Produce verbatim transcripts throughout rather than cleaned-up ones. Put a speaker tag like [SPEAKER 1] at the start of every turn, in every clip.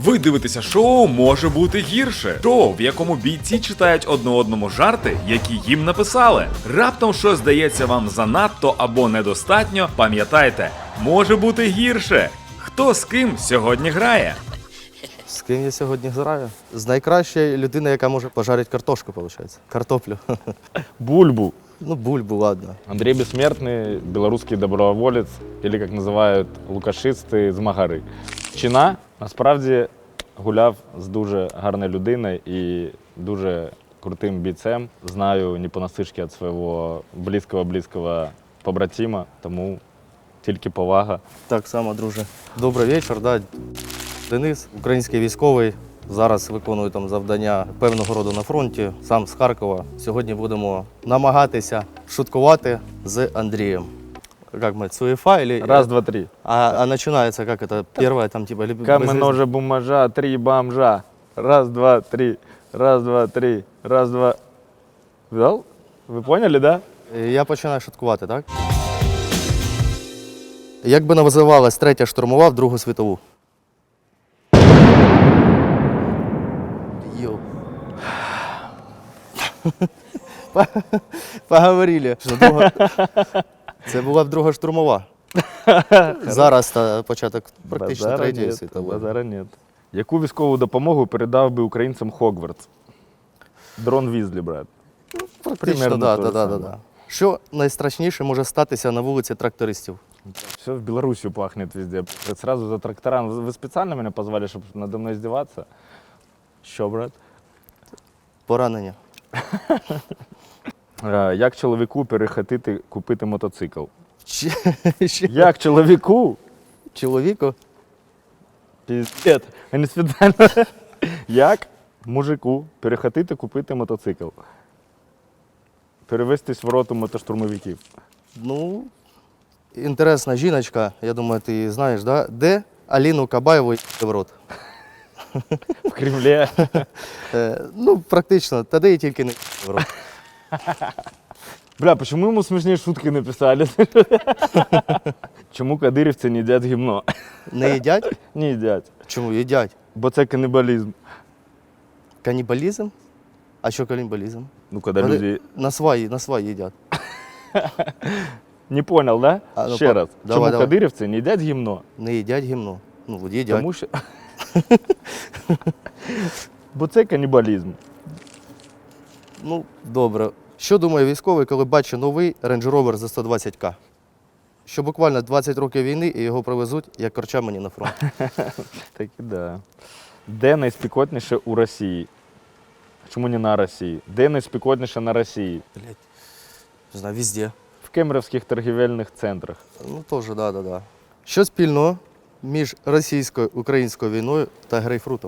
[SPEAKER 1] Ви дивитеся шоу «Може бути гірше». Шоу, в якому бійці читають одне одному жарти, які їм написали. Раптом щось здається вам занадто або недостатньо, пам'ятайте, може бути гірше. Хто з ким сьогодні грає?
[SPEAKER 2] З ким я сьогодні граю? З найкращою людиною, яка може пожарити картошку, виходить. Картоплю.
[SPEAKER 3] Бульбу.
[SPEAKER 2] Ну, бульбу, ладно.
[SPEAKER 3] Андрей Бессмертный, белорусский доброволець, или, як називають лукашисти, з Магари. Чина, насправді, гуляв з дуже гарною людиною і дуже крутим бійцем. Знаю не понаслышке від свого близького-близького побратима, тому тільки повага.
[SPEAKER 2] Так само, друже. Добрий вечір, да. Денис, український військовий. Зараз виконую там завдання певного роду на фронті, сам з Харкова. Сьогодні будемо намагатися шуткувати з Андрієм. Как мы, цуефа или...
[SPEAKER 3] Раз, два, три.
[SPEAKER 2] А, а начинается, как это, первое, там, типа... Либо
[SPEAKER 3] Камень, ножа, бумажа, три бомжа. Раз, два, три. Раз, два, три. Раз, два. Видал? Ви поняли, да?
[SPEAKER 2] Я починаю шуткувати, так? Як би називалась третя штурмова в Другу світову? Йоу. Поговорили. Що друга... Це була б Друга штурмова. Зараз та початок практично
[SPEAKER 3] Базара
[SPEAKER 2] третьої
[SPEAKER 3] нет,
[SPEAKER 2] світової.
[SPEAKER 3] базара нет. Яку військову допомогу передав би українцям Хогвартс? Дрон Візлі, брат.
[SPEAKER 2] Практично,
[SPEAKER 3] примерно
[SPEAKER 2] да,
[SPEAKER 3] то
[SPEAKER 2] да,
[SPEAKER 3] же
[SPEAKER 2] да,
[SPEAKER 3] саме.
[SPEAKER 2] да. Що найстрашніше може статися на вулиці трактористів?
[SPEAKER 3] Все в Белоруссию пахнет везде. Сразу за тракторам. Вы специально меня позвали, чтобы надо мной издеваться? Що, брат?
[SPEAKER 2] Поранення.
[SPEAKER 3] Е, Як чоловіку перехотити купити мотоцикл?
[SPEAKER 2] Чи- ще
[SPEAKER 3] Як чоловіку?
[SPEAKER 2] Чоловіку?
[SPEAKER 3] Піздець, а не спеціально. Як мужику перехотити купити мотоцикл? Перевестись в роту мотоштурмовиків.
[SPEAKER 2] Ну, інтересна жіночка, я думаю, ти її знаєш, да? Де Аліну Кабаєву й**ли в рот?
[SPEAKER 3] В Кремлі.
[SPEAKER 2] Е, ну, практично, та де її тільки не **ли в рот.
[SPEAKER 3] Бля, почему ему смешные шутки написали? Чому кадирівці не їдять гімно?
[SPEAKER 2] Не їдять?
[SPEAKER 3] Не їдять.
[SPEAKER 2] Чому їдять?
[SPEAKER 3] Бо це канібалізм.
[SPEAKER 2] Канібалізм? А що канібалізм?
[SPEAKER 3] Ну, коли
[SPEAKER 2] Вони
[SPEAKER 3] люди...
[SPEAKER 2] на сваї, на сваї їдять.
[SPEAKER 3] Не понял, да?
[SPEAKER 2] А, ну,
[SPEAKER 3] Ще
[SPEAKER 2] по-
[SPEAKER 3] раз.
[SPEAKER 2] давай,
[SPEAKER 3] Чому
[SPEAKER 2] давай.
[SPEAKER 3] кадирівці не їдять гімно?
[SPEAKER 2] Не їдять гімно. Ну, от їдять.
[SPEAKER 3] Тому що... Бо це канібалізм.
[SPEAKER 2] Ну, добре. Що думає військовий, коли бачить новий Range Rover за сто двадцять ка? Що буквально двадцять років війни і його привезуть, як корча мені на фронт.
[SPEAKER 3] Так і да. Де найспекотніше у Росії? Чому не на Росії? Де найспекотніше на Росії?
[SPEAKER 2] Блять. Не знаю, везде.
[SPEAKER 3] В кемерівських торгівельних центрах.
[SPEAKER 2] Ну, теж, да, да, да. Що спільного між російською українською війною та грейпфрутом?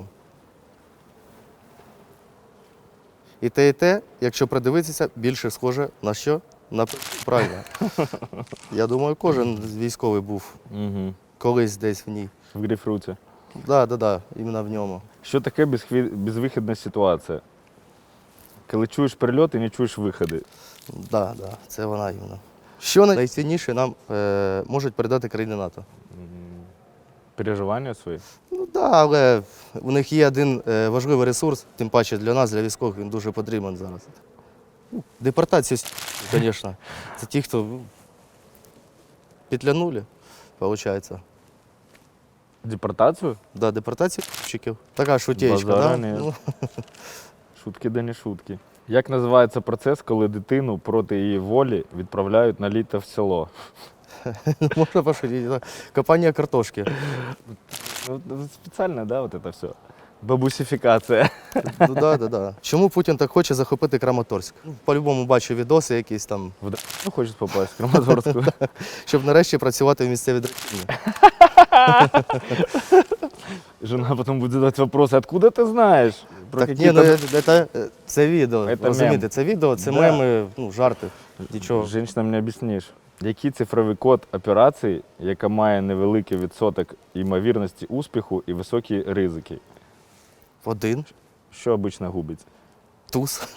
[SPEAKER 2] І те, і те, якщо придивитися, більше схоже на що? На п- правильно. Я думаю, кожен військовий був
[SPEAKER 3] Угу.
[SPEAKER 2] колись десь в ній.
[SPEAKER 3] В грейпфруті.
[SPEAKER 2] Так, да, да, да, іменно в ньому.
[SPEAKER 3] Що таке безхві- безвихідна ситуація? Коли чуєш прильот і не чуєш виходи.
[SPEAKER 2] Да, да, це вона іменно. Що найцінніше нам е, можуть передати країни НАТО?
[SPEAKER 3] Переживання свої.
[SPEAKER 2] Ну так, да, але у них є один е, важливий ресурс, тим паче для нас, для військових, він дуже потрібен зараз. Ну, депортація, звісно. Це ті, хто ну, петлянули, виходить.
[SPEAKER 3] Депортацію?
[SPEAKER 2] Да, депортація чиків. Така шутєчка,
[SPEAKER 3] Базара
[SPEAKER 2] да?
[SPEAKER 3] нет.
[SPEAKER 2] Ну,
[SPEAKER 3] Шутки да не шутки. Як називається процес, коли дитину проти її волі відправляють на літо в село?
[SPEAKER 2] можна пошутити. Да. Копання картошки.
[SPEAKER 3] Ну, спеціально, да, вот это все. Бабусифікація.
[SPEAKER 2] Ну, да, да, да. Чому Путін так хоче захопити Краматорськ? Ну, по-любому бачу відоси якісь там,
[SPEAKER 3] В Д- Ну, хочуть попасть в Краматорську.
[SPEAKER 2] щоб нарешті працювати в місцевій драконі.
[SPEAKER 3] Жена потім буде задавати вопроси, откуда ти знаєш? Про
[SPEAKER 2] Так, ні,
[SPEAKER 3] какие-то-
[SPEAKER 2] ну, це, це, це відео,
[SPEAKER 3] Це
[SPEAKER 2] розумієте,
[SPEAKER 3] мем.
[SPEAKER 2] це відео, це
[SPEAKER 3] Да.
[SPEAKER 2] меми, ну, жарти, нічого.
[SPEAKER 3] Женщинам не об'ясниш. Який цифровий код операції, яка має невеликий відсоток ймовірності успіху і високі ризики?
[SPEAKER 2] Один,
[SPEAKER 3] Що обично губить?
[SPEAKER 2] туз.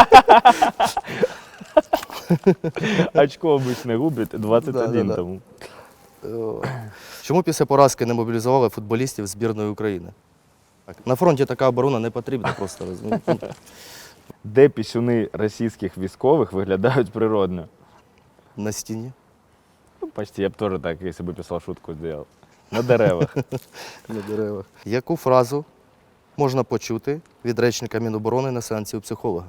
[SPEAKER 3] Очко обично губить, двадцять один
[SPEAKER 2] Да-да-да.
[SPEAKER 3] тому.
[SPEAKER 2] Чому після поразки не мобілізували футболістів збірної України? На фронті така оборона не потрібна просто, розумієте?
[SPEAKER 3] Де пісюни російських військових виглядають природно?
[SPEAKER 2] На стіні,
[SPEAKER 3] Ну, почти, я б теж так, якщо б писав шутку, зробив. На деревах.
[SPEAKER 2] на деревах. Яку фразу можна почути від речника Міноборони на сеансі у психолога?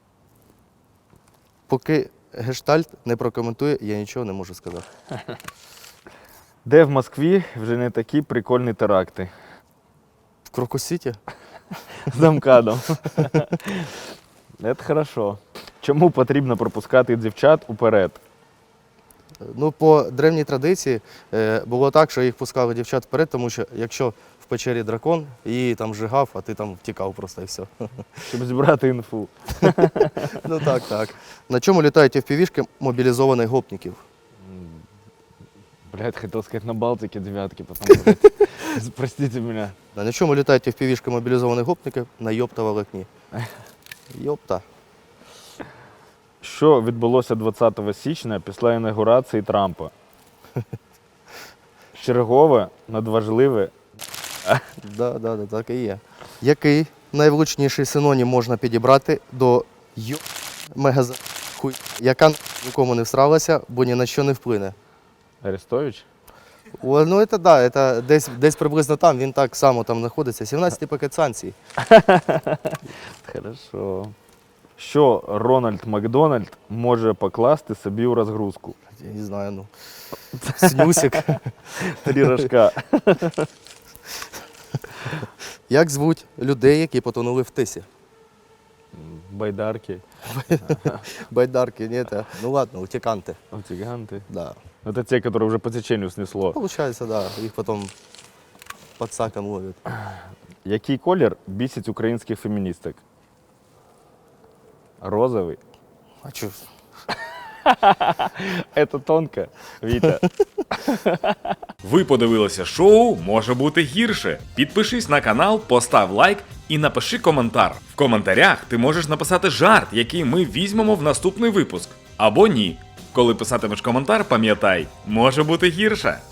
[SPEAKER 2] Поки гештальт не прокоментує, я нічого не можу сказати.
[SPEAKER 3] Де в Москві вже не такі прикольні теракти?
[SPEAKER 2] В Крокус-Сіті?
[SPEAKER 3] З Амкадом. Це хорошо. Чому потрібно пропускати дівчат уперед?
[SPEAKER 2] Ну, по древній традиції е, було так, що їх пускали дівчат вперед, тому що якщо в печері дракон, її там жигав, а ти там втікав просто і все.
[SPEAKER 3] Щоб зібрати інфу.
[SPEAKER 2] Ну так, так. На чому літають еф пі ві-шки мобілізованих гопників?
[SPEAKER 3] Блядь, хотел сказать на Балтике девятки, потом, блядь, простите меня.
[SPEAKER 2] На чому літають еф пі ві-шки мобілізованих гопників? На йопта волокні. Йопта.
[SPEAKER 3] Що відбулося двадцятого січня після інаугурації Трампа? Чергове, надважливе.
[SPEAKER 2] Да, да, да, так і є. Який найвлучніший синонім можна підібрати до йо мегаза хуй, яка нікому не всралася, бо ні на що не вплине?
[SPEAKER 3] Арестович?
[SPEAKER 2] О, ну, це да, це десь, десь приблизно там, він так само там знаходиться. сімнадцятий пакет санкцій.
[SPEAKER 3] Хорошо. Що Рональд Макдональд може покласти собі у розгрузку?
[SPEAKER 2] Я не знаю, ну. Снюсик.
[SPEAKER 3] Три рожка.
[SPEAKER 2] Як звуть людей, які потонули в тисі?
[SPEAKER 3] Байдарки,
[SPEAKER 2] Байдарки, ні, це. Ну ладно, утіканти.
[SPEAKER 3] гиганты.
[SPEAKER 2] Да.
[SPEAKER 3] Это те, которые уже по течению снесло.
[SPEAKER 2] Получається, да, їх потім під саком ловлять.
[SPEAKER 3] Який колір бісить українських феміністок? Розовий.
[SPEAKER 2] А чо?
[SPEAKER 3] Это тонко, Віта.
[SPEAKER 1] Ви подивилися шоу «Може бути гірше». Підпишись на канал, постав лайк і напиши коментар. В коментарях ти можеш написати жарт, який ми візьмемо в наступний випуск. Або ні. Коли писатимеш коментар, пам'ятай, може бути гірше.